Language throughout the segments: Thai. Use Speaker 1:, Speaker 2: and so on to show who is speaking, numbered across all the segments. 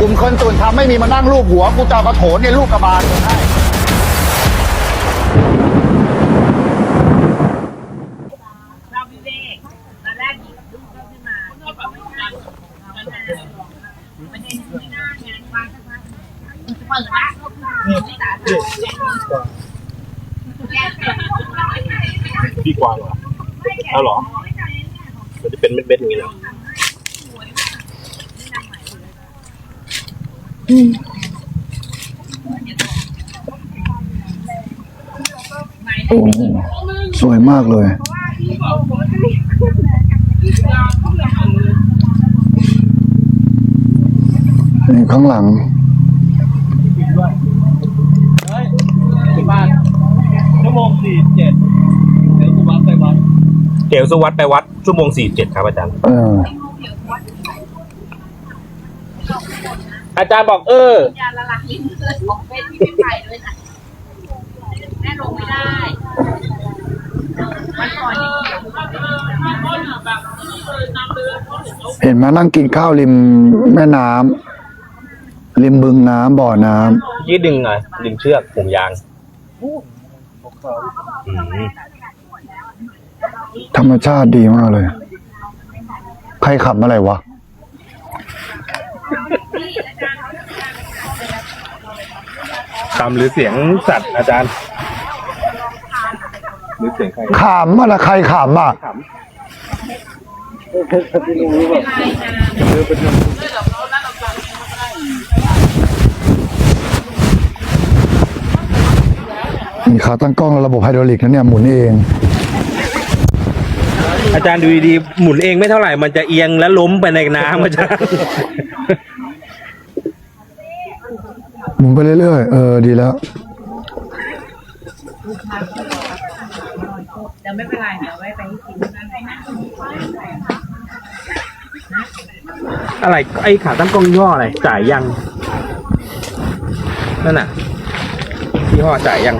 Speaker 1: กลุ่มคนส่วนทำไม่มีมานั่งรูปหัวกูจะเอากระโถนเนี่ยลูกกระบาลให้
Speaker 2: เราวิเวกตอนแรกหยิบลูกเข้าขึ้นมาที่บอกไม่ได้มันประเด็นไม่น่างานวางสักพักเปิดละไม่ตา
Speaker 3: ดีกว่าเหรอเอาเหรอมันจะเป็นเม็ดๆอย่างนี้เหรอ
Speaker 1: โอ้สวยมากเลยนี่ข้างหลัง
Speaker 3: ชั่วโมง47เดี๋ยวสุวัสดิ์ไปวัดเดี๋ยวสุวัสดิ์ไปวัดชั่วโมง47ครับอาจารย์อาจารย์บอก
Speaker 2: ยาละลายลิ้นเลยของเป็นที่ไม่ไปด้วยนะแม่ลงไม่ได้วันก่อน
Speaker 1: เห็นไหมนั่งกินข้าวริมแม่น้ำริมบึงน้ำบ่อน้
Speaker 3: ำยืดดึงไงดึงเชือกห่วงยาง
Speaker 1: ธรรมชาติดีมากเลยใครขับอะไรวะ
Speaker 3: คำหรือเสียงสัตว์อาจารย์หรือเสียงใคร
Speaker 1: ขำอะไรใครขำอ่ะมีขาตั้งกล้องระบบไฮดรอลิกนะเนี่ยหมุนเอง
Speaker 3: อาจารย์ดูดีๆหมุนเองไม่เท่าไหร่มันจะเอียงและล้มไปในน้ำอาจารย์
Speaker 1: หมุนไปเรื่อยๆดีแล้ว
Speaker 2: เดี๋ยวไม่เป็นไรเดี๋ยวไว้ไปที่กินนั่นไปนะ
Speaker 3: อะไรไอ้ขาตั้งกล้องย่ออะไรจ่ายยังนั่นน่ะยี่ห้อจ่ายยัง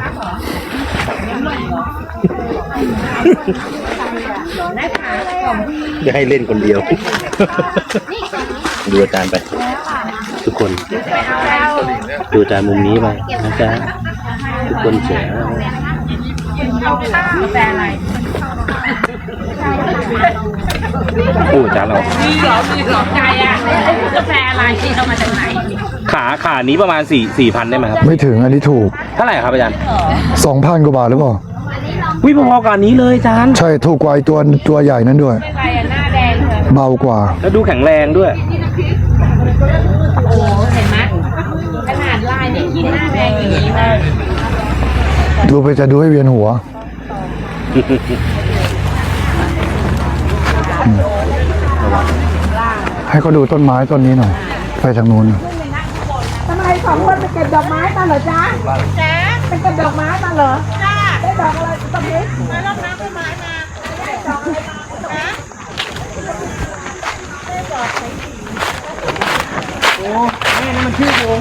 Speaker 3: จะให้เล่นคนเดียวดูอาจารย์ไปทุกคนดูอาจารย์มุมนี้ไปนะจ๊ะทุกคนเจ๋ง
Speaker 2: กาแฟอะไร
Speaker 3: โอ้อาจารย์เรา
Speaker 2: มีหรอใจอ่ะกาแฟอะไรที่เอามาจากไหน
Speaker 3: ขานี้ประมาณ4,000ได้ไหมครับ
Speaker 1: ไม่ถึงอันนี้ถูก
Speaker 3: เท่าไหร่ครับอาจารย์
Speaker 1: 2,000 กว่าบาทหรือเปล่า
Speaker 3: วิพอๆกันนี้เลยอาจารย์
Speaker 1: ใช่ถูกกว่าตัวใหญ่นั้นด้วย
Speaker 2: ไม่ไรหน้าแดงเลย
Speaker 1: เบากว่า
Speaker 3: แล้วดูแข็งแรงด้วย
Speaker 2: โอ้เห็นไหมขนาดลายนี่กินหน้าแดงอย่างนี้นะ
Speaker 1: ดูไปจะดูให้เวียนหัวให้เขาดูต้นไม้ต้นนี้หน่อยไปทางนู้น
Speaker 4: ทำไม2 คนไปเก็บดอกไม้มาเหรอจ๊ะไปเก็บดอกไม้มาเหรอได้ดอกอะไรตรงนี้มาลอกน้ำต้นไม้มาได้ดอกอะไรนะได้ดอกไหน
Speaker 3: โอ้แม่นี่มันชื่อวง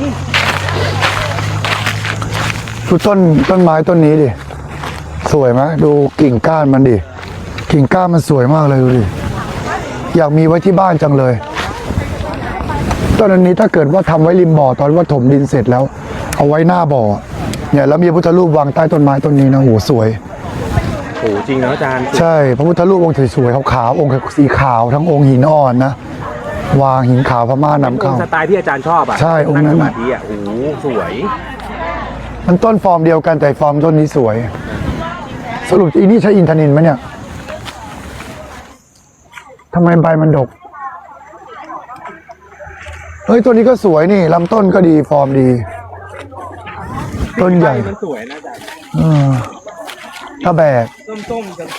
Speaker 1: ดูต้นไม้ต้นนี้ดิสวยไหมดูกิ่งก้านมันดิกิ่งก้านมันสวยมากเลยดูดิอยากมีไว้ที่บ้านจังเลยต้นนี้ถ้าเกิดว่าทำไว้ริมบ่อตอนว่าถมดินเสร็จแล้วเอาไว้หน้าบ่อเนี่ยแล้วมีพระพุทธรูปวางใต้ต้นไม้ต้นนี้นะโหสวย
Speaker 3: โหจริงนะอาจารย์
Speaker 1: ใช่พระพุทธรูปองค์สวยๆขาวๆองค์สีขาวทั้งองค์หินอ่อนนะวางหินขาวพม่านำเข้า
Speaker 3: สไตล์ที่อาจารย์ชอบอ่ะ
Speaker 1: ใช่องค์นั้น
Speaker 3: ดีอ่ะโอ้สวย
Speaker 1: มันต้นฟอร์มเดียวกันแต่ฟอร์มต้นนี้สวยสรุปอีนี่ใช้อินทนิลไหมเนี่ยทำไมใบมันดกเฮ้ยตัวนี้ก็สวยนี่ลำต้นก็ดีฟอร์มดีต้นใหญ่
Speaker 3: มันสวยนะจ๊ะ
Speaker 1: ถ้าแบก
Speaker 3: ส้มๆกัน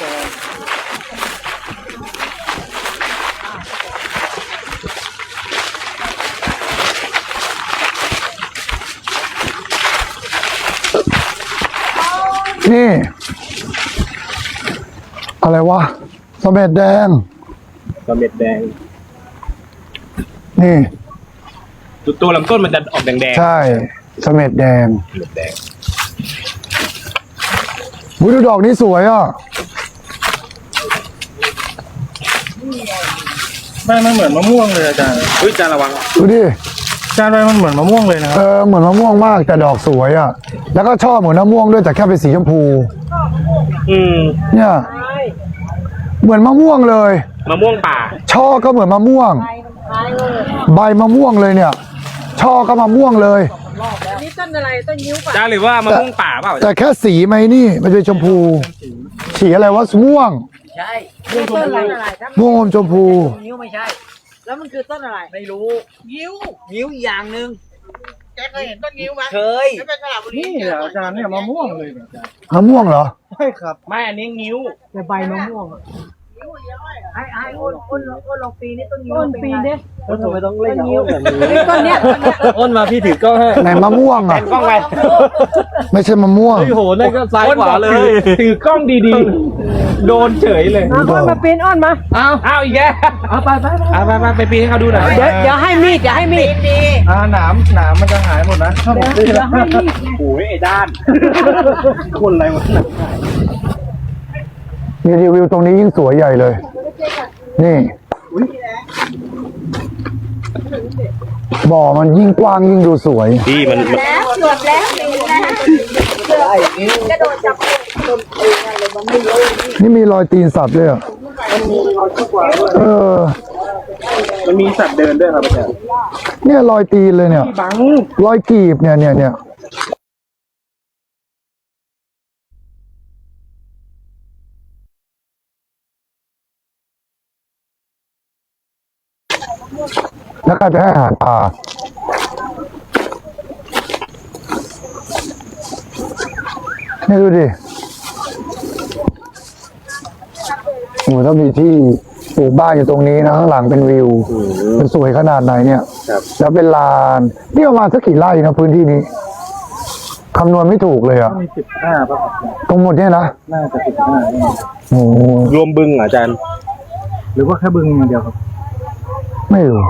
Speaker 1: นี่อะไรวะสะเม็ดแดงนี่
Speaker 3: ตัวลำต้นมันจะออกแดง
Speaker 1: ๆใช่สะเม็ดแดงดูดอกนี้สวยอ่ะ
Speaker 3: ไม่เหมือนมะม่วงเลยอาจารย์อาจารย์ระวัง
Speaker 1: ดูดิ
Speaker 5: จานใบมันเหมือนมะม่วงเลยนะครับ
Speaker 1: เหมือนมะม่วงมากแต่ดอกสวยอ่ะ แล้วก็ชอบเหมือนมะม่วงด้วยแต่แค่เป็นสีชมพู เนี่ย เหมือนมะม่วงเลย
Speaker 5: มะม่วงป่า
Speaker 1: ช่อก็เหมือนมะม่วง ใบมะม่วงเลยเนี่ย ช่อก็มะม่วงเลย
Speaker 4: นี่ต้นอะไรต้นยิ้วป่ะ
Speaker 5: จานหรือว่ามะม่วงป่าเปล่า
Speaker 1: แต่แค่สีไหมนี่มันเป็นชมพูสีอะไรวะม่วง
Speaker 4: ต้นอะไรถ้า
Speaker 1: ม่วงอมชมพู
Speaker 6: นิ้วไม่ใช่
Speaker 4: แล้วมันคือต้นอะไร
Speaker 6: ไม่รู้
Speaker 4: ยิ้ว
Speaker 6: นิ้วอีกอย่างหนึ่ง
Speaker 4: แกเคยเห็นต้นยิ้วไหม
Speaker 6: เคย
Speaker 4: ไม่เป็นสระบุรี
Speaker 5: นี่เหรออาจารย์เนี่ยมะม่วงเลยอาจารย์
Speaker 1: มะม่วงเหรอ
Speaker 5: ใช่ครับไม่อันนี้นิ้ว
Speaker 6: แต่ใบมะม่วงอะไอ้อ้นลองปีนี่ต้นนิ้ว
Speaker 4: ต้นปีเด้
Speaker 3: แล้วทำไมต้องเล่นนิ้วแบบนี้
Speaker 4: ต้นเนี้ย
Speaker 3: อ้นมาพี่ถือกล้องให้
Speaker 1: ไหนมะม่วงอ่ะ
Speaker 5: กล้องไป
Speaker 1: ไม่ใช่มะม่วง
Speaker 3: โอ้โหนั่นก็ซ้ายขวาเลย
Speaker 5: ถือกล้องดีๆ โดนเฉยเลย
Speaker 4: อ้อนมาปีนอ้อนมา
Speaker 5: อ้าวอีกแล้วเอาไปปีให้เขาดูหน่อย
Speaker 4: เดี๋ยวให้มีดอย่าให้มีด
Speaker 5: หนามมันจะหายหมดนะถ้าผมซื้อแล้วโอ้ยไอ้ด้าน คนอะไรวะ
Speaker 1: มีรีวิวตรงนี้ยิ่งสวยใหญ่เลย นี่ บ่อมันยิ่งกว้างยิ่งดูสวย
Speaker 3: พี่มัน
Speaker 4: แล้วจวดแล้วปีแล้วกระโดดจับ
Speaker 1: นี่มีรอยตีนสัตว์ด้วยอ่ะอ
Speaker 5: มันมีสัตว์เดินด้วยครับอาจารย์
Speaker 1: เนี่ยรอยตีนเลยเนี่ย
Speaker 5: บัง
Speaker 1: รอยกีบเนี่ยแล้วใครไปให้อาหารปลาเนี่ยดูดิโอ้ถ้ามีที่ปลูกบ้านอยู่ตรงนี้นะข้างหลังเป็นวิวมันสวยขนาดไหนเนี่ย แล้วเป็นลานนี่ประมาณสักกี่ไร่นะพื้นที่นี้คำนวณไม่ถูกเลยอ่ะ
Speaker 5: มี15ป่ะครับ
Speaker 1: ตรงหมดเนี่ยนะ
Speaker 5: น่าจะ15
Speaker 1: โอ้โห
Speaker 3: รวมบึงเหรออาจารย์
Speaker 5: หรือว่าแค่บึงอย่างเดียวครับ
Speaker 1: ไม่รู้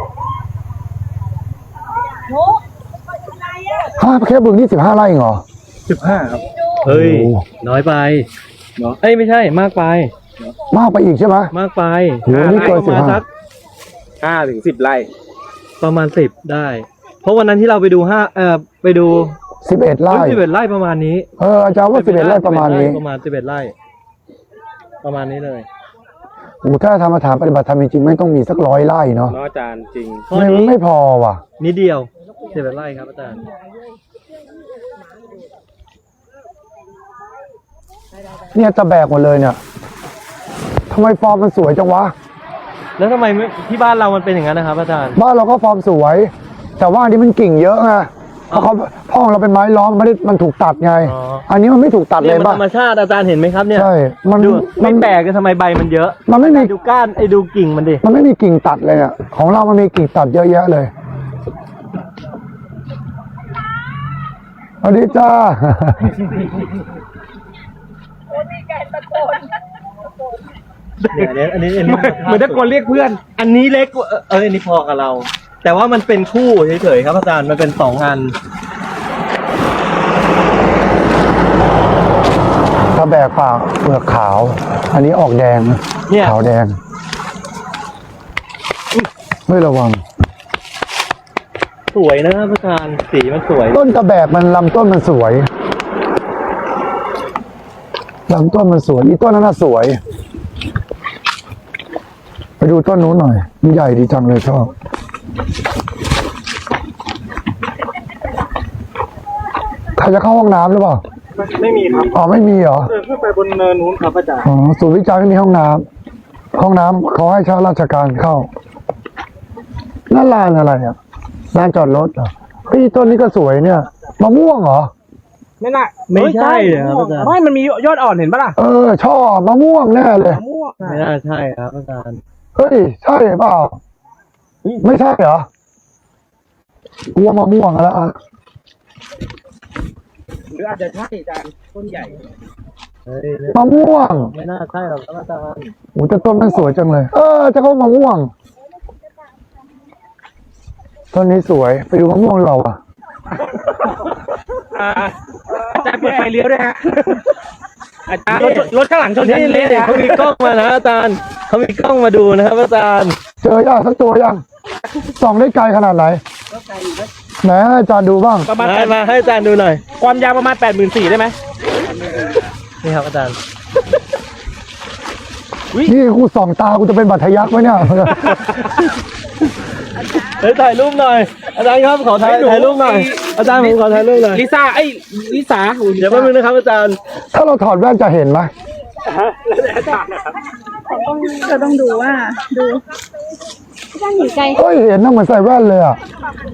Speaker 1: แค่บึงนี่15 ไร่เหรอ
Speaker 5: 15ครับ
Speaker 3: เฮ้ย
Speaker 1: โอ้
Speaker 3: น้อยไปเนาะเอ้ยไม่ใช่มากไป
Speaker 1: มากไปอีกใช่ไหม
Speaker 3: มากไป
Speaker 1: โหนี่เกิน
Speaker 3: ประมาณสัก
Speaker 5: 5 ถึง 10 ไร่
Speaker 3: ประมาณ10ได้ เพราะวันนั้นที่เราไปดูไปดู
Speaker 1: 11 ไร่
Speaker 3: 11ไร่ประมาณนี้
Speaker 1: อาจารย์ว่า11 ไร่ประมาณนี้
Speaker 3: ประมาณ11ไร่ ประมาณนี้เลย
Speaker 1: โอ้ถ้าทำมาถามปฏิบัติธรรมจริงๆไม่ต้องมีสัก100 ไร่เนาะ
Speaker 5: เนาะอาจารย์จริง
Speaker 3: ข้อ
Speaker 1: ไม่
Speaker 3: นี้
Speaker 1: ไม่พอว่ะ
Speaker 3: นิดเดียว11ไร่ครับอาจารย์
Speaker 1: เนี่ยจะแบกหมดเลยเนี่ยทำไมฟอร์มมันสวยจังวะ
Speaker 3: แล้วทำไมไม่ที่บ้านเรามันเป็นอย่างนั้นนะครับอาจารย์
Speaker 1: บ้านเราก็ฟอร์มสวย แต่ว่าอันนี้มันกิ่งเยอะไงเพราะห้องเราเป็นไม้ล้อมมันถูกตัดไง
Speaker 3: อ๋อ
Speaker 1: อันนี้มันไม่ถูกตัดเล
Speaker 3: เนี่ย
Speaker 1: ย
Speaker 3: มัน
Speaker 1: ป่ะ
Speaker 3: ธรรมชาติอาจารย์เห็นไหมครับเนี่ย
Speaker 1: ใช่มัน
Speaker 3: ดู
Speaker 1: มั
Speaker 3: ไม่
Speaker 1: น
Speaker 3: แปลกเลยทำไมใบมันเยอะ
Speaker 1: มันไม่มี
Speaker 3: ดูก้านดูกิ่งมันดิ
Speaker 1: มันไม่มีกิ่งตัดเลยเนี่ยของเรามันมีกิ่งตัดเยอะแยะเลยสวัสดีจ้า
Speaker 3: เนี่ยอันนี้
Speaker 5: เหมือนตะโกนเรียกเพื่อน
Speaker 3: อันนี้เล็กกว่าอันนี้พอกับเรา แต่ว่ามันเป็นคู่เฉยๆครับอาจารย์มันเป็น2 อัน
Speaker 1: กระแบกปากเปลือกขาว อันนี้ออกแดง
Speaker 3: เนี่ย
Speaker 1: ขาวแดงไม่ระวัง
Speaker 3: สวยนะครับอาจารย์สีมันสวย
Speaker 1: ต้นกระแบกมันลำต้นมันสวยลำต้นมันสวยอีต้นนั้นน่ะสวย ไปดูต้นนู้นหน่อยมันใหญ่ดีจังเลยชอบใครจะเข้าห้องน้ำหรือเปล่า
Speaker 5: ไม่มีครับ
Speaker 1: อ๋อไม่มีเหรอ
Speaker 5: เดินขึ้นไปบนเนินนู้นครับอาจารย์
Speaker 1: อ๋อศูนย์วิจัยไม่มีห้องน้ำห้องน้ำเขาให้เช่าราชการเข้านั่นลานอะไรอ่ะลานจอดรถเหรอเฮ้ยต้นนี้ก็สวยเนี่ยมะม่วงเหรอ
Speaker 5: ไม่น่า
Speaker 3: ไม่ใช่เลยครับอาจารย์
Speaker 5: ไม่มันมียอดอ่อนเห็นปะล่ะ
Speaker 1: ชอบมะม่วงแน่เลย
Speaker 5: ม่วง
Speaker 3: ไม่น่าใช่ครับอาจารย์
Speaker 1: เฮ้ยใช่เปล่าไม่ใช่เหรอ กลัวมะม่วงแล้วอ่ะ
Speaker 5: หรืออาจจะใช่อาจารย์ต้นใหญ่
Speaker 3: เฮ้ย
Speaker 1: มะม่วง
Speaker 3: ไม่น่าใช่หรอกครับอาจารย์
Speaker 1: โอ้แต่ต้นมันสวยจังเลย จะเข้ามะม่วงต้นนี้สวยไปดูมะม่วงเราอ่ะ
Speaker 5: อาจารย์เปิดไฟเลี้ยวด้วยฮะอาจารย์รถข้างหลังชน
Speaker 3: นี่
Speaker 5: กันเละ
Speaker 3: นี่
Speaker 5: เลยฮะ
Speaker 3: เขามีกล้องมานะอาจารย์เขามีกล้องมาดูนะครับอาจารย์
Speaker 1: เจอยังสักตัวยังส่องได้ไกลขนาดไหน
Speaker 6: ก็ไกลอยู่
Speaker 1: ไหนให้อาจารย์ดูบ้าง
Speaker 5: ประมาณ
Speaker 3: มาให้อาจารย์ดูหน่อย
Speaker 5: ความยาวประมาณ 84,000ได้ไหม
Speaker 3: นี่ครับอาจารย์
Speaker 1: นี่กูส่องตากูจะเป็นบัตรทะยักไหมเนี่ย
Speaker 3: เฮ้ยถ่ายรูปหน่อย อาจารย์ครับขอถ่ายรูปหน่อย อาจารย์ผมขอถ่ายรูปหน่อย
Speaker 5: ลิซ่าลิสา
Speaker 3: เดี๋ยวแป๊บนึงนะครับอาจารย์
Speaker 1: ถ้าเราถอดแว่นจะเห็นไหม
Speaker 4: เราต้องดูว่าดูท่านอยู่ไกล
Speaker 1: เฮ้ยเห็นนะเหมือนใส่แว่นเลยอ่ะ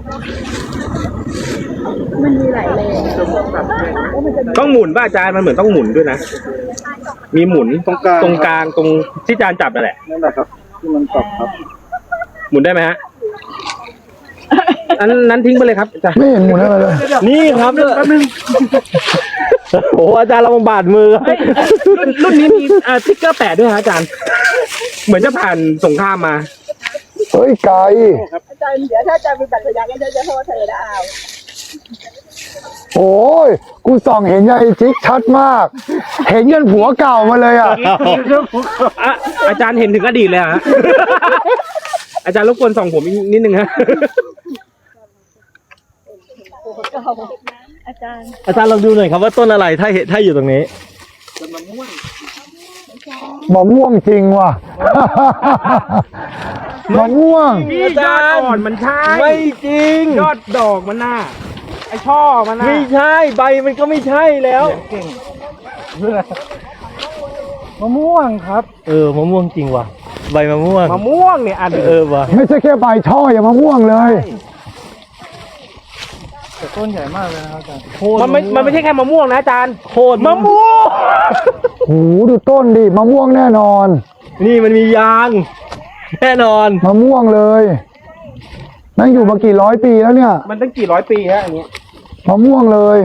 Speaker 4: มันมีหลายเลน
Speaker 5: ต้องหมุนป่ะอาจารย์มันเหมือนต้องหมุนด้วยนะ มีหมุนตรงกลางตรงที่อาจารย์จับนั่นแหละนั่นแหละครับที่มันจับครับหมุนได้ไหมฮะนั้นทิ้งไปเลยครับอาจารย์
Speaker 1: ไม่เห็นหมุนอะไรเลย
Speaker 3: นี่ครับแป๊บนึงโอ้อาจารย์เราบาดมือ
Speaker 5: รุ่นนี้มีสติ๊กเกอร์แปะด้วยฮะอาจารย์ เหมือนจะผ่านสงครามมา
Speaker 1: เฮ้ยไกล
Speaker 4: อาจารย์เดี๋ยวถ้าอาจารย์เป็นบัตรทะยักก็จะโทษเธอนะเอา
Speaker 1: โอ้ยกูส่องเห็นยายจิ๊กชัดมาก เห็นยันผัวเก่ามาเลยอ่ะ
Speaker 5: อาจารย์เห็นถึงอดีตเลยฮะ อาจารย์รบกวนส่องผมอีกนิดนึงฮะ
Speaker 3: อาจารย์ลองดูหน่อยครับว่าต้นอะไรถ้าอยู่ตรงนี้
Speaker 1: มะม่วงจริงว่ะ มะม่วง
Speaker 5: อาจารย์อ่อนมันใช่
Speaker 3: ไม่จริง
Speaker 5: ยอดดอกมันน่ะไอช่อมันน่ะ
Speaker 3: ไม่ใช่ใบมันก็ไม่ใช่แล้ว
Speaker 5: มะม่วงครับ
Speaker 3: มะม่วงจริงว่ะ ใบมะม่วง
Speaker 5: มะม่วงเนี่ยอัน
Speaker 3: ว่ะ
Speaker 1: ไม่ใช่แค่ใบช่ออย่างมะม่วงเลย
Speaker 3: ต้นใหญ่มากเลยนะครับอาจารย์
Speaker 5: มันไม่ใช่แค่มะม่วงนะอาจารย์
Speaker 3: โคตร
Speaker 5: มะม่วง
Speaker 1: โหดูต้นดิมะม่วงแน่นอน
Speaker 3: นี่มันมียาง แน่นอน
Speaker 1: มะม่วงเลยนั่งอยู่มากี่ร้อยปีแล้วเนี่ย
Speaker 5: มันตั้งกี่ร้อยปีฮะอันนี้
Speaker 1: มะม่วงเลย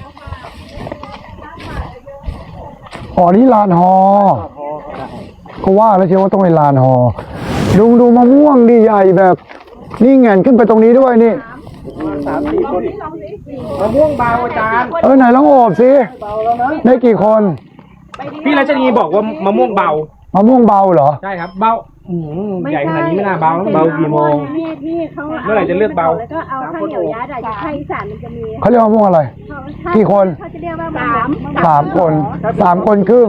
Speaker 1: อ๋อนี่ลานฮอก็ว่าแล้วเชียวว่าต้องเป็นลานฮอดูมะม่วงดีใหญ่แบบ นี่แงนขึ้นไปตรงนี้ด้วยนี่
Speaker 5: 3-4 คนมะม่วงเบาอาจารย์
Speaker 1: ไหนลองโอบสิได้กี่คน
Speaker 5: พี่รัชนีบอกว่ามะม่วงเบา
Speaker 1: มะม่วงเบาเหรอ
Speaker 5: ใช่ครับ เบาใหญ่ขนาดนี้ไม่น่าเบา
Speaker 3: เบากี่โมง
Speaker 4: ที่เขา
Speaker 5: เมื่อไหร่จะเลือกเบา
Speaker 4: แล้วก็เอาข้าวเหนียวยัดอะภาคอีสานมันจะมี
Speaker 1: เขาเรียกมะม่วงอะไร กี่คน
Speaker 4: เขาจะเรียกว่า
Speaker 1: สามคนครึ่ง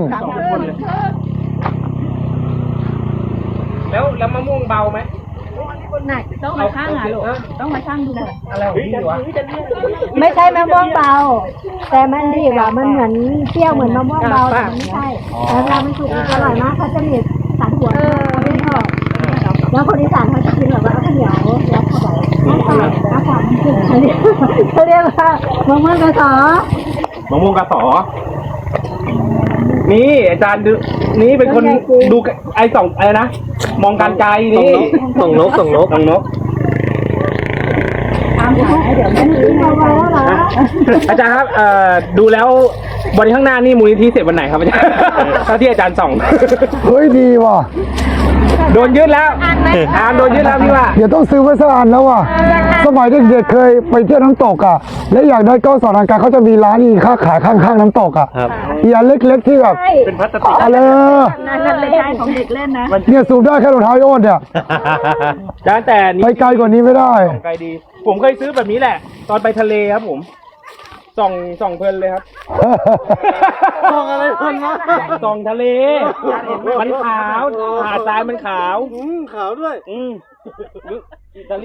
Speaker 5: แล้วมะม่วงเบาไหม
Speaker 4: หนักต้องมาช่างอ่ะลูกต้องมาช่างดูหน่อย
Speaker 5: อะไรของพี่วะ
Speaker 4: ไม่ใช่มะม่วงเบา แต่มันดีกว่ามันเหมือนเปรี้ยวเหมือนมะม่วงเบาแต่มันไม่ใช่แล้วเวลามันสุกมันอร่อยมากเขาจะมีสารหัวเขาไม่ชอบแล้วคนอีสานเขาจะกินแบบว่าเอาข้าวเหนียวยัดเข้าไปน้ำปลามันขึ้นเขาเรียกว่ามะม่วงกระสอ
Speaker 5: มะม่วงกระสอ นี่อาจารย์ดูนี่เป็นคนดูไอ้สองอะไรนะ มองการไกลนี่
Speaker 3: ส่งนก
Speaker 5: ส่งนก
Speaker 4: ตามหาเดี๋ยวมันถึงเอาไว้แล้วเหรอ
Speaker 5: อาจารย์ครับดูแล้วบริข้างหน้านี่มูลนิธิเสร็จวันไหนครับอาจารย์ถ้าที่อาจารย์ส่อง
Speaker 1: เฮ้ยดีว่ะ
Speaker 5: โดนยึดแล้วโดนยึดแล้วพี่ว่า
Speaker 1: เดี๋ยวต้องซื้อไว้สักอันแล้วว่ะ สมัยเด็กๆเคยไปเที่ยวน้ำตกอ่ะ และอยากได้ก้อนสอนทางการเขาจะมีร้านอีค่าขายข้างๆน้ำตกอ่ะ
Speaker 3: ครับ
Speaker 1: อีอันเล็กๆที่แบบ
Speaker 5: เป็นพลาสติก
Speaker 1: อะไร
Speaker 4: นั่นเลยใช่ของเด็กเล่นนะ
Speaker 1: เนี่ยสูบได้แค่รองเท้าไอ้โอ๊ตเนี่ย
Speaker 5: อาจารย์แต่
Speaker 1: ไปไกลกว่านี้ไม่ได้
Speaker 5: ไกลดี ผมเคยซื้อแบบนี้แหละ ตอนไปทะเลครับผม ส่องเพลินเลยครับ
Speaker 3: ส่องอะไรคนวะ
Speaker 5: ส่องทะเล มันขาวหาดทรายมันขาว
Speaker 3: ขาวด้วย
Speaker 5: อิตาลี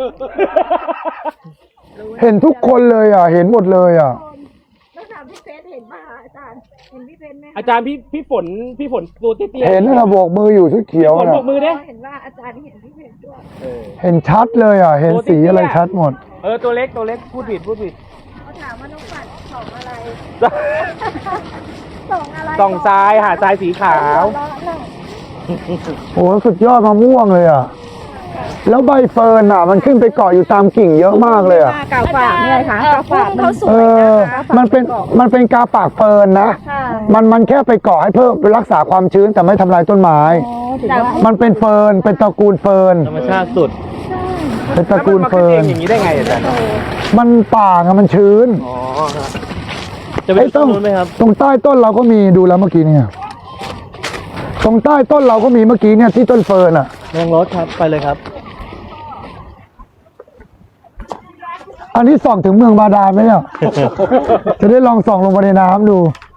Speaker 1: เห็นทุกคนเลยอ่ะ เห็นหมดเลยอ่ะ
Speaker 4: แล้วถามพี่เพชรเห็นป่ะอาจารย์เห็นพี่เพชรไหม
Speaker 5: อาจารย์พี่ฝนตัวเตี้ย
Speaker 1: เห็นนะโบกมืออยู่ชุดเขียว
Speaker 5: ฝน
Speaker 1: น่ะ
Speaker 5: ปรบมือดิ
Speaker 4: เห็นว่าอาจารย์เห็นพี่เพชรด้วย
Speaker 1: เห็นชัดเลยอ่ะ เห็นสีอะไรชัดหมด
Speaker 5: ตัวเล็กพูดผิด
Speaker 4: เขาถามว่าน้องฝันส่องอะไรส่องอะไร
Speaker 5: ส่องทรายหาดทรายสีขาว
Speaker 1: โอ้สุดยอดมะม่วงเลยอ่ะ แล้วใบเฟิร์นอ่ะ มันขึ้นไปเกาะอยู่ตามกิ่งเยอะมากเลยอ่ะ
Speaker 4: กาฝากเนี่ยค่ะกาฝากเขาสวย
Speaker 1: มันเป็นกาปากเฟิร์นนะ มันแค่ไปเกาะให้เพิ่มรักษาความชื้นแต่ไม่ทำลายต้นไม้ มันเป็นเฟิร์น เป็นตระกูลเฟิร์น
Speaker 3: ธรรมชาติสุด
Speaker 1: เป็นตระกูลเฟิร์น
Speaker 5: อย่างนี้ได้ไงอาจารย์
Speaker 1: มันป่าไงมันชื้น
Speaker 3: จะไปดูต้นนู้นไหมครับ
Speaker 1: ตรงใต้ต้นเราก็มีดูแล้วเมื่อกี้เนี่ย ตรงใต้ต้นเราก็มีเมื่อกี้เนี่ยที่ต้นเฟิร์นอ่ะ
Speaker 3: ลงรถครับ ไปเลยครับ
Speaker 1: อันนี้ส่องถึงเมืองบาดาลไหมเนี่ย จะได้ลองส่องลงไปในน้ำดู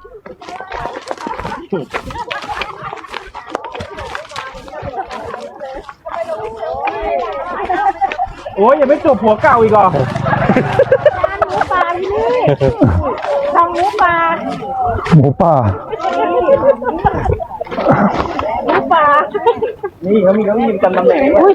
Speaker 5: โอ้ยอย่าไปจบผัวเก่าอีกเหรอ
Speaker 1: หมูป่า
Speaker 5: นี่เขามีจำตำแหน่งด้วย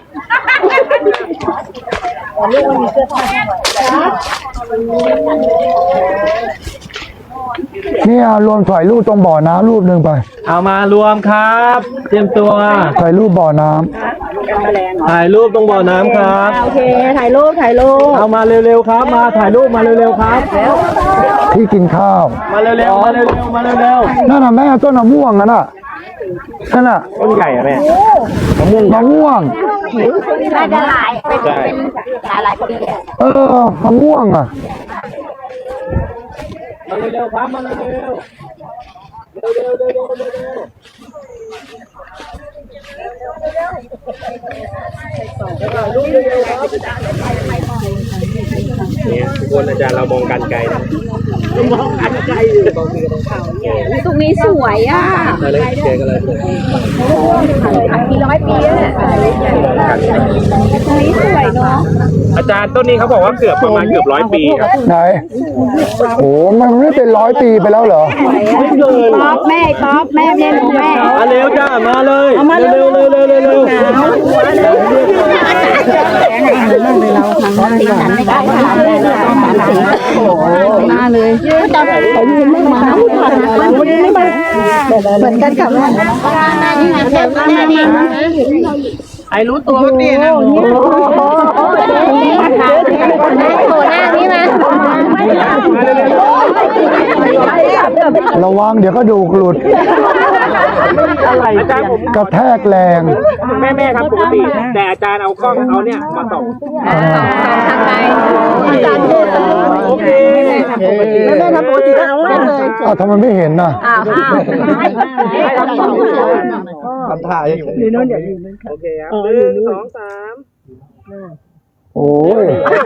Speaker 1: เนี่ยรวมถ่ายรูปตรงบ่อน้ำรูปหนึ่งไป
Speaker 3: เอามารวมครับ เตรียมตัว
Speaker 1: ถ่ายรูปบ่อน้
Speaker 3: ถ่ายรูปตรงบ่อน้ำครับ
Speaker 4: โอเคถ่ายรูป
Speaker 3: เอามาเร็วๆครับ มาถ่ายรูปมาเร็วๆครับ
Speaker 1: ำที่กินข้าว
Speaker 3: มาเร็วๆมาเร็วๆมาเร็ว
Speaker 1: นั่นน่ะแม่ต้นมะม่วงนั่นน่ะนั่นน่ะ
Speaker 5: ต้นใหญ่อะแม่
Speaker 1: มะม่วง
Speaker 4: น่าจะหลาย
Speaker 5: ใช่
Speaker 4: หลายคน
Speaker 1: มะม่วงอ่ะ
Speaker 3: ๆมาเร็วๆครับมาเร็วๆ
Speaker 5: เนี่ยทุกคนอาจารย์เรามองกันไกลนะ
Speaker 4: ตรงนี้สวยอ่ะ
Speaker 5: มาเลยเจอกันเลย
Speaker 4: กี่ร้อยปีแล้วเนี่ยตรงนี้สวยเนาะ
Speaker 5: อาจารย์ต้นนี้เขาบอกว่าประมาณเกือบ100 ปีครับ
Speaker 1: ไหนโอ้มันไม่เป็น100 ปีไปแล้วเหรอ
Speaker 4: ป๊อปแม่เล่นของแม่
Speaker 3: มาเร็วจ้ามาเลยเร็วๆเร็วๆเร็วๆ
Speaker 4: มาเลยจะไปยืนเล่นหมาเหมือนกันกับนี่ไงแม่นี่
Speaker 3: ไอรู้ตัวว่าดีนะ
Speaker 4: โผล่หน้านี่มา
Speaker 1: ระวังเดี๋ยวก็ดูกหลุด
Speaker 5: อาจารย์ผม
Speaker 1: กระแทกแรง
Speaker 5: แม่ครับปกติแต่อาจารย์เอากล้องเอาเนี่ยมาส่อง
Speaker 4: ทางไหนอาจารย์เทศ
Speaker 5: โอเค
Speaker 4: แม่ทำปกติเอาเลย
Speaker 1: อ้าวทำไมไม่เห็นน่ะ
Speaker 5: ทำท่าอย่างนี้โอเคครับ1 2 3
Speaker 1: โอ้ย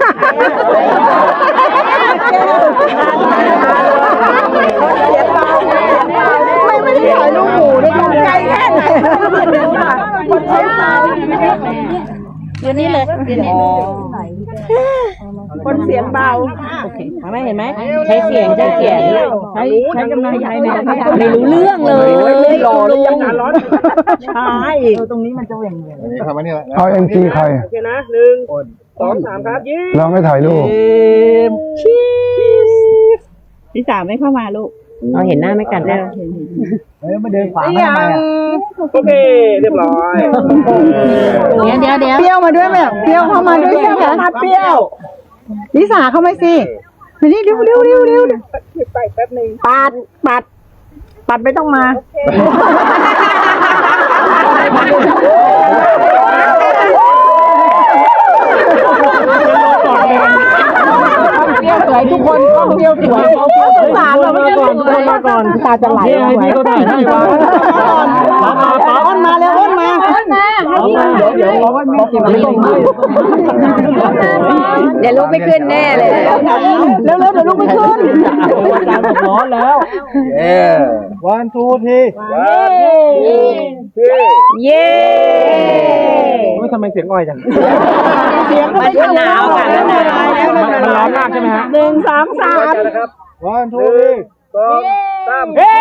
Speaker 4: ไม่ได้ถ่ายรูปหมูด้วยกันไกลแค่ไหนคนใช้ตาเดี๋ยวนี้เลยคนเสียงเบาไม่เห็นไหมใช้เสียงใช้กำลังใจเนี่ยไม่รู้เรื่องเลยรอเลยยังร้อนช้าอีกตรงนี้มันจะเหวี่ยง
Speaker 1: เอา MG ใคร
Speaker 5: โอเคนะ1 2 3ครับยิ้ม
Speaker 1: เราไม่ถ่ายรูป
Speaker 4: พี่สาวไม่เข้ามาลูกเราเห็นหน้าไม่กันได้
Speaker 5: โอเคเรียบร้อย
Speaker 4: เดี๋ยวเปรี้ยวมาด้วยแบบเปรี้ยวเข้ามาด้วยใช่ไหมมาเปรี้ยวลิสาเข้ามาสิมานี่เร็วไปแป๊บนึงปัดไม่ต้องมาเปรี้ยวสวยทุกคนต้องเปรี้ยวสวยตาเราไม่ได้มาก่อนตาจะไหลไหวก็ได้อ้นมาเร็วอ้นมาเดี๋ยวรอว่าแม่เก็บไว้ตรงนี้เดี๋ยวลูกไม่ขึ้นแน่เลยเร็วเดี๋ยวลูกไม่ขึ้นร้อนแล้ว
Speaker 5: 1 2 3
Speaker 4: เย้
Speaker 5: ทำไมเสียงอ่อยจัง
Speaker 4: มันหนาวค่ะ
Speaker 5: มันร้อนมากใช่ไหมฮะ
Speaker 4: 1 2 3
Speaker 5: 1 2 3เฮ้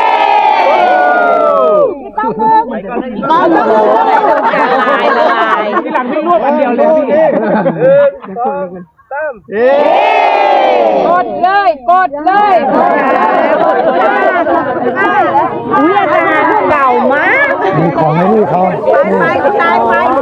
Speaker 4: ก็ละลาย
Speaker 5: ที่หลังวิ่งรวบอันเดียวเลยพี่1 2 3เฮ้
Speaker 4: กดเลยอุ้ยอาจารย์เก่ามาก
Speaker 1: มีของให้นี่เขานี่
Speaker 4: ตาย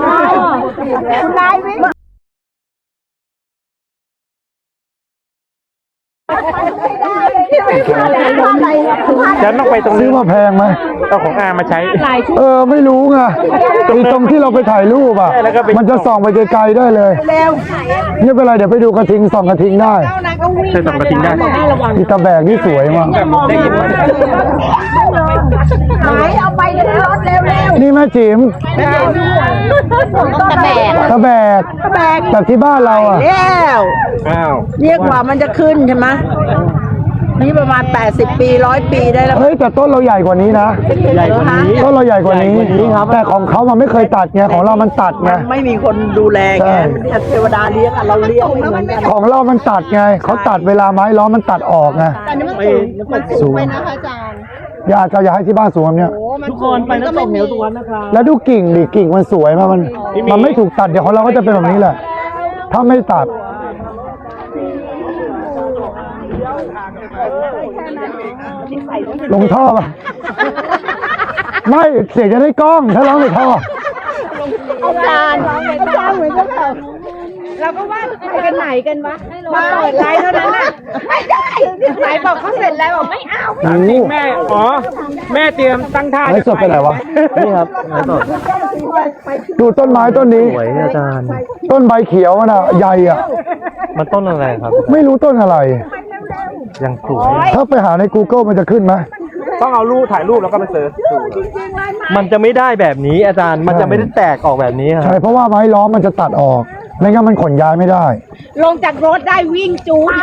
Speaker 4: วิ่ง
Speaker 5: จะต้องไปตรง
Speaker 1: ซื้
Speaker 5: นี้
Speaker 1: อมาแพงไหม
Speaker 5: เอาของอามาใช้
Speaker 1: ไม่รู้ไงตรงที่เราไปถ่ายรูปอ่ะ
Speaker 5: แล้วก็ไป
Speaker 1: มันจะส่องไปไกลๆได้เลยไม่เป็นไรเดี๋ยวไปดูกระทิงส่องกระทิงได้
Speaker 5: ใช้สองกระทิงได้
Speaker 1: อีตาแบกนี่สวยมาก
Speaker 5: ได้ยินไหม
Speaker 4: เอาไปกันรถเร็ว
Speaker 1: นี่แม่จิ๋ม
Speaker 4: ตะแบก
Speaker 1: ตาแบกแต่ที่บ้านเราอ่ะ
Speaker 6: แล้ว
Speaker 5: อ้าว
Speaker 6: เรียกว่ามันจะขึ้นใช่ไหมนี่ประมาณ80 ปี100 ปีได้แล้ว
Speaker 1: เฮ้ยแต่ต้นเราใหญ่กว่านี้นะ
Speaker 5: ใหญ่กว่านี้
Speaker 1: ต้นเราใหญ่กว่านี้แต่ของเขามันไม่เคยตัดไงของเรามันตัดไง
Speaker 6: ไม่มีคนดูแล
Speaker 1: ใช่
Speaker 6: ไงเนี่ยเทวดาเลี้ยงอะเราเลี้ยงไม่เหมือนกัน
Speaker 1: ของเรามันตัดไงเขาตัดเวลาไม้ล้อมมันตัดออกไง
Speaker 5: ไม่
Speaker 1: สูงอยากให้ที่บ้านสูงแบบเนี้ย
Speaker 6: ทุกคนไปน้ำตกเหวสุวรรณนะคะ
Speaker 1: แล้วดูกิ่งดิกิ่งมันสวยมากมันไม่ถูกตัดเดี๋ยวของเราก็จะเป็นแบบนี้แหละ ถ้าไม่ตัดลงท่อป่ะไม่เสียงจะได้กล้องถ้าร้องในท่อ
Speaker 4: อาจารย์เหมือนกันแบบเราก็ว่าไปกันไหนกันวะมาเปิดไลน์เท่านั้นน่ะไม่ได้ไหนบอกเขาเสร็จแล้วบอกไม่เอา
Speaker 5: ถามจริงแม่ อ๋อ แม่เตรียมตั้งท่า
Speaker 1: ไอ้สดไปไหนวะ
Speaker 3: นี่ครับไม้สด
Speaker 1: ดูต้นไม้ต้นนี้
Speaker 3: สวยอาจารย์
Speaker 1: ต้นใบเขียวน่ะใหญ่อ่ะ
Speaker 3: มันต้นอะไรครับ
Speaker 1: ไม่รู้ต้นอะไร
Speaker 3: ยังสวย
Speaker 1: ถ้าไปหาใน Google มันจะขึ้นไหม
Speaker 5: ต้องเอารูปถ่ายรูปแล้วก็ไปเซิร์ชดู
Speaker 3: มันจะไม่ได้แบบนี้อาจารย์ มันจะไม่ได้แตกออกแบบนี้ค
Speaker 1: ใช่
Speaker 3: รับ
Speaker 1: เพราะว่าไม้ล้อมมันจะตัดออก ไม่งั้นมันขนย้ายไม่ได้
Speaker 4: ลงจากรถได้วิ่งจูง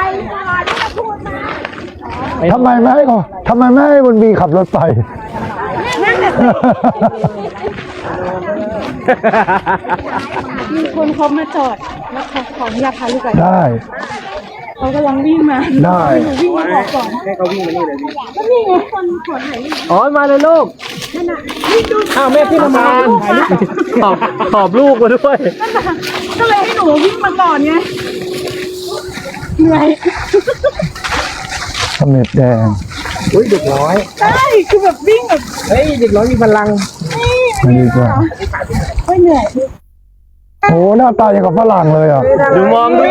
Speaker 1: ทำไมไม่ให้บนบีขับรถไป
Speaker 4: มีคนเขามาจอดแล้วเขาขออนุญาตพาลูกไป
Speaker 1: ได้
Speaker 4: เขากำลังวิ่งมา
Speaker 1: ได้
Speaker 4: วิ่งมาบอกก่อน
Speaker 5: ให้เขาวิ่งมานี่เลยดิ
Speaker 4: ก็นี่ไงคนขอถ่ายรูป
Speaker 3: อ๋อ มาเลยลูก
Speaker 5: อ้าวแม่ขึ้นมา
Speaker 3: ขอบลูกมาด้วย
Speaker 4: ก็เลยให้หนูวิ่งมาก่อนไงเหนื่อย
Speaker 1: เสม็ดแดง
Speaker 5: อุ้ยเด็กน้อย
Speaker 4: ใช่คือแบบวิ่งแบบ
Speaker 5: เฮ้ย เด็กน้อยมีพลัง
Speaker 1: มาดีกว่า
Speaker 4: ไม่เหนื่อย
Speaker 1: โอ้หน้าตาอย่างกับฝรั่งเลยอ่ะ
Speaker 3: ดูมอง
Speaker 1: เห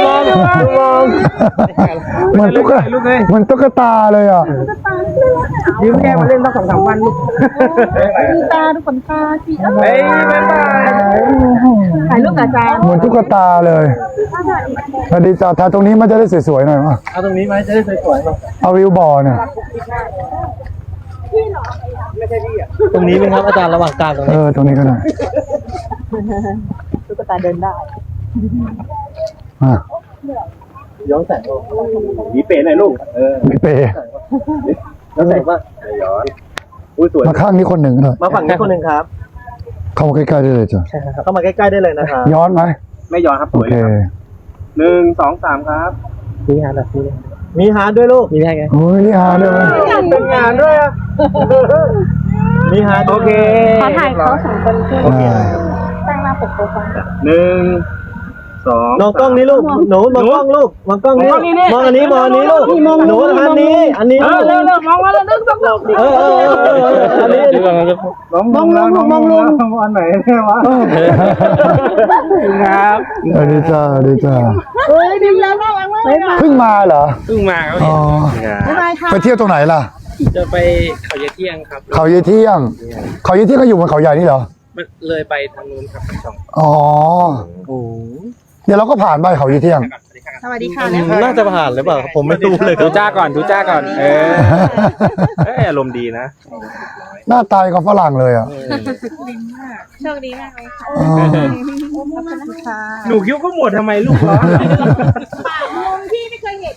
Speaker 1: มือนตุ๊กตาเลยอ่ะ
Speaker 5: ยืมแม่มาเล่นตั้ง2-3 วันลูก
Speaker 4: มีตาดูขนตาสี
Speaker 5: เฮ้ยบ๊ายบาย
Speaker 4: ถ่ายรูปกับอาจารย์
Speaker 1: เหมือนตุ๊กตาเลยสวัสดีจ้าถ่ายตรงนี้มันจะได้สวยๆหน่อยมั้ย
Speaker 3: เอาตรงนี้ไหมจะได้สวยๆป่ะ
Speaker 1: เอาวิวบอร์เนี่ย
Speaker 3: ตรงนี้ไหมครับอาจารย์ระหว่างกลางตรงนี้
Speaker 1: ตรงนี้ก็ได้
Speaker 6: ตุ๊กตาเดินได้
Speaker 1: อ่ะ
Speaker 3: ย้อนแสง
Speaker 5: หนีเป๋หน่อยลูก
Speaker 1: พี่เปย์
Speaker 3: ย้อนแสงป่ะ
Speaker 5: ย้อนอุ้ยสวย
Speaker 1: มาข้างนี้คนหนึ่งหน่อย
Speaker 3: มาฝั่งนี้คนหนึ่งครับ
Speaker 1: เข้ามาใกล้ๆได้เลยจ้ะ
Speaker 3: เข้ามาใกล้ๆได้เลยนะครับ
Speaker 1: ย้อนไหม
Speaker 5: ไม่ย้อนครับส
Speaker 1: โอ
Speaker 5: วย
Speaker 1: เค
Speaker 5: เลยครับ1 2 3ครับ
Speaker 3: มีฮาร์ดแบบนี้มีฮาร์ดด้วยลูก มีได้ไง
Speaker 1: โอ้ยนี่ฮาด้วย
Speaker 5: เป็นงานด้วยอะ
Speaker 3: มีฮาร์ด
Speaker 5: โอเค
Speaker 4: ขอถ่ายเขาสองคนขึ้น
Speaker 1: อ่า
Speaker 4: ตั้งหน้าปกโปรไฟล์
Speaker 5: 1 2
Speaker 3: มองกล้องนี้ลูก หนูมองกล้องลูก มองกล้องนี้ มองอันนี้ มองอันนี้ลูก หนูทางนี้ อันนี้ลูก
Speaker 5: เร็วมองมาแล้วนึกต้องหลบดิ
Speaker 3: อันนี้
Speaker 5: มองลงอันไหนเนี่ยวะครับ
Speaker 1: สวัสดีจ้าสวัสดีจ้า
Speaker 4: เฮ้ยดิมแล้วน่ารักมากเลยอ่ะ
Speaker 1: เพิ่งมาเหรอ
Speaker 5: เพิ่งมาครับ
Speaker 1: อ๋อ
Speaker 4: บ๊ายบายค่ะ
Speaker 1: ไปเที่ยวตรงไหนล่ะ
Speaker 5: จะไปเขาเยเที่ยงครับ
Speaker 1: เขาเยี่ยเที่ยง เขาเยี่ยเที่ยงก็อยู่บนเขาใหญ่นี่เหรอ
Speaker 5: มันเลยไปทางนู้นครับทางช่อง
Speaker 1: อ๋อ เดี๋ยวเราก็ผ่านไปเขาเยี่ยเที่ยง
Speaker 4: สวัสดีค่ะ
Speaker 3: น่าจะผ่านหรือเปล่า ผมไม่รู้เลย
Speaker 5: ดูจ้าก่อน อารมณ์ดีนะ
Speaker 1: หน้าตายกับฝรั่งเลยอ่ะ
Speaker 4: โชคดีมากเลยค่ะ
Speaker 1: อ๋อ
Speaker 5: หนูคิ้วก็หมดทำไมลูกร้อน
Speaker 4: ปากมุมที่ไม่เคยเห็น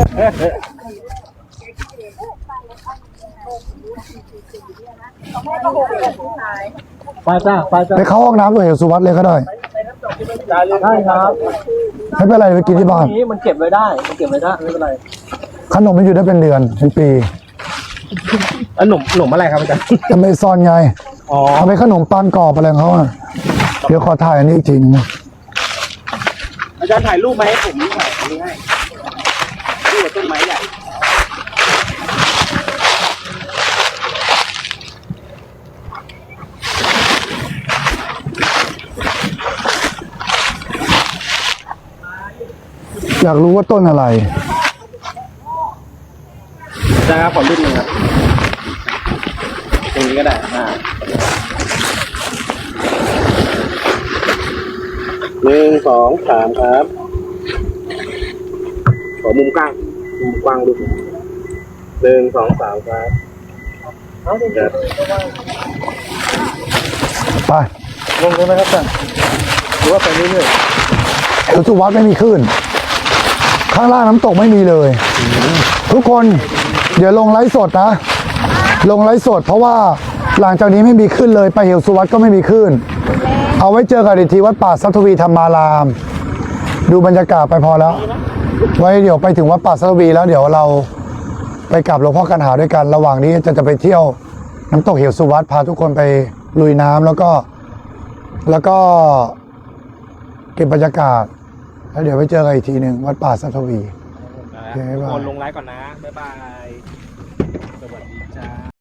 Speaker 3: ไปจ้าไปจ้า
Speaker 1: ไปเข้าห้องน้ำตัวเอกสุวัสดิ์เลยก็ได้
Speaker 3: ได้ครับ
Speaker 1: ไม่เป็นไรไปกินที่บ้าน
Speaker 3: นี้มันเก็บไว้ได้ มันเก็บไว้ได้ ไม่เป็นไร
Speaker 1: ขนมมันอยู่ได้เป็นเดือนเป็นปี
Speaker 5: หนุ่มอะไรครับอาจารย์
Speaker 1: ทำไมซอนไง
Speaker 5: อ๋อ
Speaker 1: ทำไมขนมปังกรอบอะไรของเขาอ่ะ เดี๋ยวขอถ่ายอันนี้อีกทีนึงนะ
Speaker 5: อาจารย์ถ่ายรูปมาให้ผมถ่ายอันนี้ให้รูปกับต้นไม้ใหญ่
Speaker 1: อยากรู้ว่าต้นอะไร
Speaker 5: จะขอรุ่นหนึ่งครับตรงนี้ก็ได้1 2 3ครับขอมุมกว้างดู1 2 3ครับครับ
Speaker 1: ไป
Speaker 5: ลงเลยไหมครับท่านหรือว่าไปเรื่อย
Speaker 1: เอวสุวัตไม่มีคลื่นข้างล่างน้ำตกไม่มีเลย ทุกคนเดี๋ยวลงไลฟ์สดนะ ลงไลฟ์สดเพราะว่าหลังจากนี้ไม่มีคลื่นเลยไปเหวสุวัตก็ไม่มีคลื่นเอาไว้เจอกันอีกทีวัดป่าสัทวีธรรมาราม ดูบรรยากาศไปพอแล้ว ไว้เดี๋ยวไปถึงวัดป่าสัทวีแล้วเดี๋ยวเราไปกราบหลวงพ่อกันหาด้วยกันระหว่างนี้จะไปเที่ยวน้ำตกเหวสุวัตพาทุกคนไปลุยน้ำแล้วก็เก็บบรรยากาศแล้วเดี๋ยวไปเจอกันอีกทีหนึ่งวัดป่าสัทวี
Speaker 5: ๆคนลงไลฟ์ก่อนนะบ๊ายบายสวัสดีจ้า